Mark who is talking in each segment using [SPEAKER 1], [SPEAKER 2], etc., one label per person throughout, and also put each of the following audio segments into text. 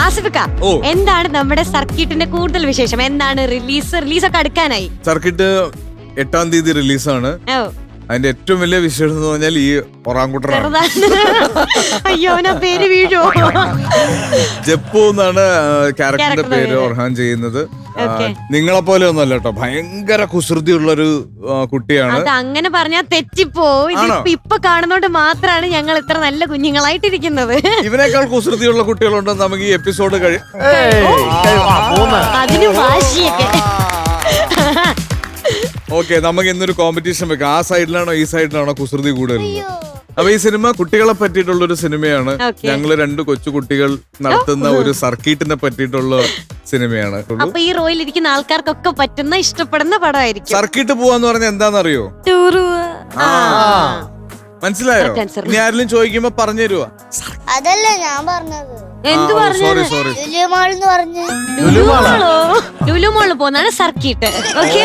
[SPEAKER 1] ആസിഫിക്ക, എന്താണ് നമ്മുടെ സർക്കിട്ടിന്റെ കൂടുതൽ വിശേഷം? എന്താണ് റിലീസൊക്കെ അടുക്കാനായി?
[SPEAKER 2] സർക്കിട്ട് 8-ാം തീയതി റിലീസാണ്. അതിന്റെ ഏറ്റവും വലിയ വിശേഷം എന്ന് പറഞ്ഞാൽ ഈ ഒറാങ്കുട്ടനാണ്.
[SPEAKER 1] അയ്യോ, പേര് വീഴോ?
[SPEAKER 2] ജപ്പു എന്നാണ് ക്യാരക്ടറിന്റെ പേര് ഒർഹാൻ ചെയ്യുന്നത്. നിങ്ങളെ പോലെ ഒന്നല്ല കേട്ടോ, ഭയങ്കര കുസൃതിയുള്ളൊരു കുട്ടിയാണ്.
[SPEAKER 1] അത് അങ്ങനെ പറഞ്ഞാൽ തെറ്റിപ്പോ. ഇപ്പൊ കാണുന്നോണ്ട് മാത്രമാണ് ഞങ്ങൾ ഇത്ര നല്ല കുഞ്ഞുങ്ങളായിട്ടിരിക്കുന്നത്.
[SPEAKER 2] ഇവനേക്കാൾ കുസൃതിയുള്ള കുട്ടികളുണ്ട് നമുക്ക് ഈ എപ്പിസോഡ്
[SPEAKER 1] അതിന് വാശിയൊക്കെ.
[SPEAKER 2] ഓക്കെ, നമുക്ക് ഇന്നൊരു കോമ്പറ്റീഷൻ വെക്കാം. ആ സൈഡിലാണോ ഈ സൈഡിലാണോ കുസൃതി കൂടുതൽ? അപ്പൊ ഈ സിനിമ കുട്ടികളെ പറ്റിയിട്ടുള്ളൊരു സിനിമയാണ്. ഞങ്ങള് 2 കൊച്ചുകുട്ടികൾ നടത്തുന്ന ഒരു സർക്കിട്ടിനെ പറ്റിയിട്ടുള്ള സിനിമയാണ്.
[SPEAKER 1] അപ്പൊ ഈ റോയിൽ ഇരിക്കുന്ന ആൾക്കാർക്കൊക്കെ പറ്റുന്ന ഇഷ്ടപ്പെടുന്ന പടമായിരിക്കും.
[SPEAKER 2] സർക്കിട്ട് പോവാന്ന് പറഞ്ഞാൽ എന്താണെന്നറിയോ? മനസ്സിലായോ? ഇനി ആരെങ്കിലും ചോദിക്കുമ്പോ പറഞ്ഞു തരുവാ.
[SPEAKER 3] അതല്ല ഞാൻ പറഞ്ഞത്.
[SPEAKER 1] എന്ത് പറഞ്ഞു? ലുലുമോളിൽ പോകുന്നതാണ് സർക്കിട്ട്. ഓക്കെ,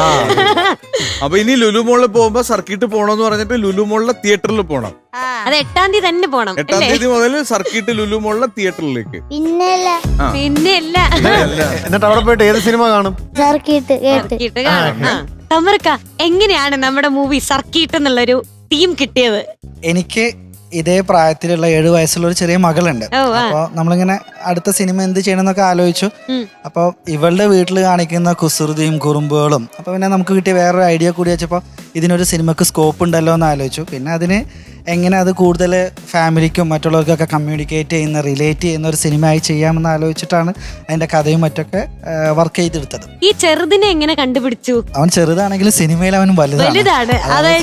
[SPEAKER 2] അപ്പൊ ഇനി ലുലുമോളിൽ പോകുമ്പോ സർക്കിട്ട് പോണോന്ന് പറഞ്ഞിട്ട് ലുലുമോളിലെ തിയേറ്ററിൽ പോണം.
[SPEAKER 1] അത് 8-ാം തീയതി തന്നെ പോണം.
[SPEAKER 2] 8-ാം തീയതി മുതൽ സർക്കിട്ട് ലുലുമോളിലെ തിയേറ്ററിലേക്ക്.
[SPEAKER 1] പിന്നെയല്ല.
[SPEAKER 4] എന്നിട്ട് അവിടെ പോയിട്ട് ഏത് സിനിമ കാണും?
[SPEAKER 1] സർക്കിട്ട് കാണും. തമർക്ക, എങ്ങനെയാണ് നമ്മുടെ മൂവി സർക്കിട്ട് എന്നുള്ളൊരു തീം കിട്ടിയത്?
[SPEAKER 5] എനിക്ക് ഇതേ പ്രായത്തിലുള്ള 7 വയസ്സുള്ള ഒരു ചെറിയ മകളുണ്ട്. അപ്പൊ നമ്മളിങ്ങനെ അടുത്ത സിനിമ എന്ത് ചെയ്യണം എന്നൊക്കെ ആലോചിച്ചു. അപ്പൊ ഇവളുടെ വീട്ടിൽ കാണിക്കുന്ന കുസൃതിയും കുറുമ്പുകളും അപ്പൊ പിന്നെ നമുക്ക് കിട്ടിയ വേറൊരു ഐഡിയ കൂടി വെച്ചപ്പോ ഇതിനൊരു സിനിമക്ക് സ്കോപ്പ് ഉണ്ടല്ലോ എന്ന് ആലോചിച്ചു. പിന്നെ അതിന് എങ്ങനെ അത് കൂടുതൽ ഫാമിലിക്കും മറ്റുള്ളവർക്കൊക്കെ കമ്മ്യൂണിക്കേറ്റ് ചെയ്യുന്ന റിലേറ്റ് ചെയ്യുന്ന ഒരു സിനിമ ആയി ചെയ്യാമെന്ന് ആലോചിച്ചിട്ടാണ് അതിന്റെ കഥയും മറ്റൊക്കെ വർക്ക് ചെയ്തെടുത്തത്.
[SPEAKER 1] ഈ ചെറുതിനെ എങ്ങനെ കണ്ടുപിടിച്ചു?
[SPEAKER 5] അവൻ ചെറുതാണെങ്കിലും സിനിമയിൽ അവൻ വലുതാണ്.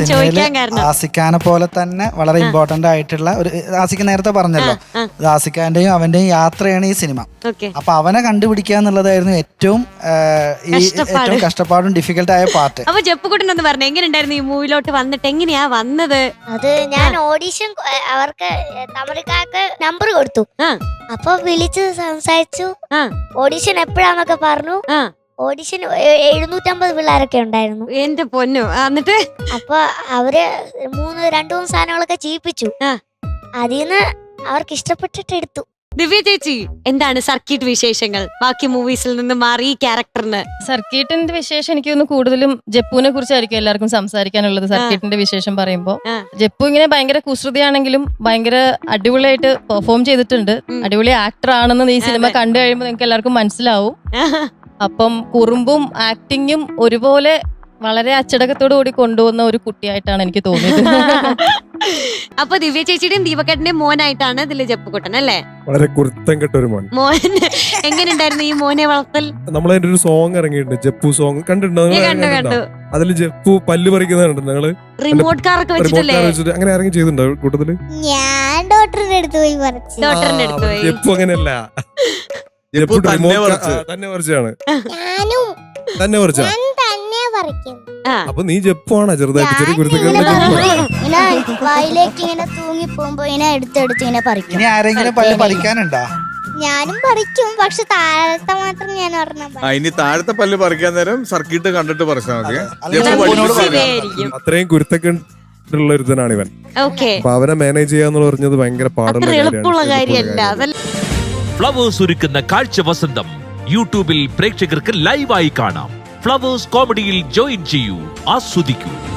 [SPEAKER 5] ആസിഖാനെ പോലെ തന്നെ വളരെ ഇമ്പോർട്ടന്റ് ആയിട്ടുള്ള ഒരു, ആസിഖ് നേരത്തെ പറഞ്ഞല്ലോ, ആസിഖാന്റെയും അവന്റെയും യാത്രയാണ് ഈ സിനിമ. അപ്പൊ അവനെ കണ്ടുപിടിക്കുക എന്നുള്ളതായിരുന്നു ഏറ്റവും കഷ്ടപ്പാടും ഡിഫിക്കൽട്ട് ആയ പാർട്ട്.
[SPEAKER 1] അപ്പൊ ജപ്പുകുട്ടനൊന്ന് പറഞ്ഞു, എങ്ങനെയുണ്ടായിരുന്നു ഈ മൂവിലോട്ട് വന്നിട്ട്? എങ്ങനെയാ വന്നത്?
[SPEAKER 3] അത് ഞാൻ ഓഡിഷൻ അവർക്ക് തമിഴ്ക്കാർക്ക് നമ്പർ കൊടുത്തു. അപ്പൊ വിളിച്ച് സംസാരിച്ചു. ഓഡിഷൻ എപ്പോഴാന്നൊക്കെ പറഞ്ഞു. ഓഡിഷൻ 750 പിള്ളേരൊക്കെ ഉണ്ടായിരുന്നു.
[SPEAKER 1] എന്റെ പൊന്നു. എന്നിട്ട്
[SPEAKER 3] അപ്പൊ അവര് 2-3 സാധനങ്ങളൊക്കെ ചെയ്യിപ്പിച്ചു. അതിന്ന് അവർക്ക് ഇഷ്ടപ്പെട്ടിട്ട് എടുത്തു.
[SPEAKER 1] ദിവ്യ ചേച്ചി, എന്താണ് സർക്കിട്ട് വിശേഷങ്ങൾ? ബാക്കി മൂവീസിൽ നിന്ന് മാറി ഈ ക്യാരക്ടറിന്.
[SPEAKER 6] സർക്കിട്ടിന്റെ വിശേഷം എനിക്ക് തോന്നുന്നു കൂടുതലും ജപ്പുവിനെ കുറിച്ചായിരിക്കും എല്ലാവർക്കും സംസാരിക്കാനുള്ളത്. സർക്കിട്ടിന്റെ വിശേഷം പറയുമ്പോൾ ജപ്പു ഇങ്ങനെ ഭയങ്കര കുസൃതിയാണെങ്കിലും ഭയങ്കര അടിപൊളിയായിട്ട് പെർഫോം ചെയ്തിട്ടുണ്ട്. അടിപൊളി ആക്ടർ ആണെന്ന് ഈ സിനിമ കണ്ടു കഴിയുമ്പോൾ നിങ്ങൾക്ക് എല്ലാവർക്കും മനസ്സിലാവും. അപ്പം കുറുമ്പും ആക്ടിങ്ങും ഒരുപോലെ വളരെ അച്ചടക്കത്തോടു കൂടി കൊണ്ടുവന്ന ഒരു കുട്ടിയായിട്ടാണ് എനിക്ക് തോന്നിയത്.
[SPEAKER 1] അപ്പൊ ദിവ്യ ചേച്ചിയുടെയും ദീപക്കേട്ടന്റെയും മോനായിട്ടാണ് ഇതില് ജപ്പുകുട്ടൻ അല്ലേ?
[SPEAKER 4] വളരെ കുരുത്തം കെട്ട ഒരു മോൻ.
[SPEAKER 1] എങ്ങനെയുണ്ടായിരുന്നു ഈ മോനെ വളർത്തൽ?
[SPEAKER 4] നമ്മളതിന്റെ ഒരു സോങ് ഇറങ്ങിയിട്ടുണ്ട്, ജപ്പു സോങ്. കണ്ടിട്ടുണ്ടോ? അതിൽ ജപ്പു പല്ല് പറിക്കുന്നുണ്ട്. ഞങ്ങള്
[SPEAKER 1] റിമോട്ട് കാറൊക്കെ വെച്ചിട്ടല്ലേ
[SPEAKER 4] അങ്ങനെ ഇറങ്ങി ചെയ്തിട്ടുണ്ടോ കൂട്ടത്തില്?
[SPEAKER 3] ഞാൻ ഡോക്ടറിന്റെ അടുത്ത് പോയി
[SPEAKER 4] ജപ്പു അങ്ങനെയല്ല, ജപ്പു തന്നെ പറിച്ചാണ്. തന്നെ പറിച്ചാ? അപ്പൊ നീ ജപ്പാണ് ചെറുതായിട്ട് ചെറിയ
[SPEAKER 3] വായിലേക്ക് ഇങ്ങനെ തൂങ്ങി പോകുമ്പോ ഇങ്ങനെ എടുത്തെടുത്ത് ഇങ്ങനെ പറിക്കും.
[SPEAKER 5] ഇനി ആരെങ്കിലും പല്ല് പറിക്കാനുണ്ടോ?
[SPEAKER 3] ഞാനും പറിക്കും, പക്ഷെ താഴത്തെ മാത്രം ഞാൻ ഒരെണ്ണം.
[SPEAKER 2] ഇനി താഴത്തെ പല്ല് പറിക്കാൻ നേരം സർക്കിട്ട് കണ്ടിട്ട് പറിച്ചാൽ മതി.
[SPEAKER 4] അത്രയും കുരുത്തക്കുള്ള ഒരുത്തനാണ് ഇവൻ. അപ്പൊ അവനെ മാനേജ് ചെയ്യാന്ന് പറഞ്ഞത് ഭയങ്കര പാടുള്ള
[SPEAKER 1] കാര്യമല്ല.
[SPEAKER 7] ഫ്ലവേഴ്സ് ഒരുക്കുന്ന കാഴ്ച വസന്തം യൂട്യൂബിൽ പ്രേക്ഷകർക്ക് ലൈവായി കാണാം. ഫ്ലവേഴ്സ് കോമഡിയിൽ ജോയിൻ ചെയ്യൂ, ആസ്വദിക്കൂ.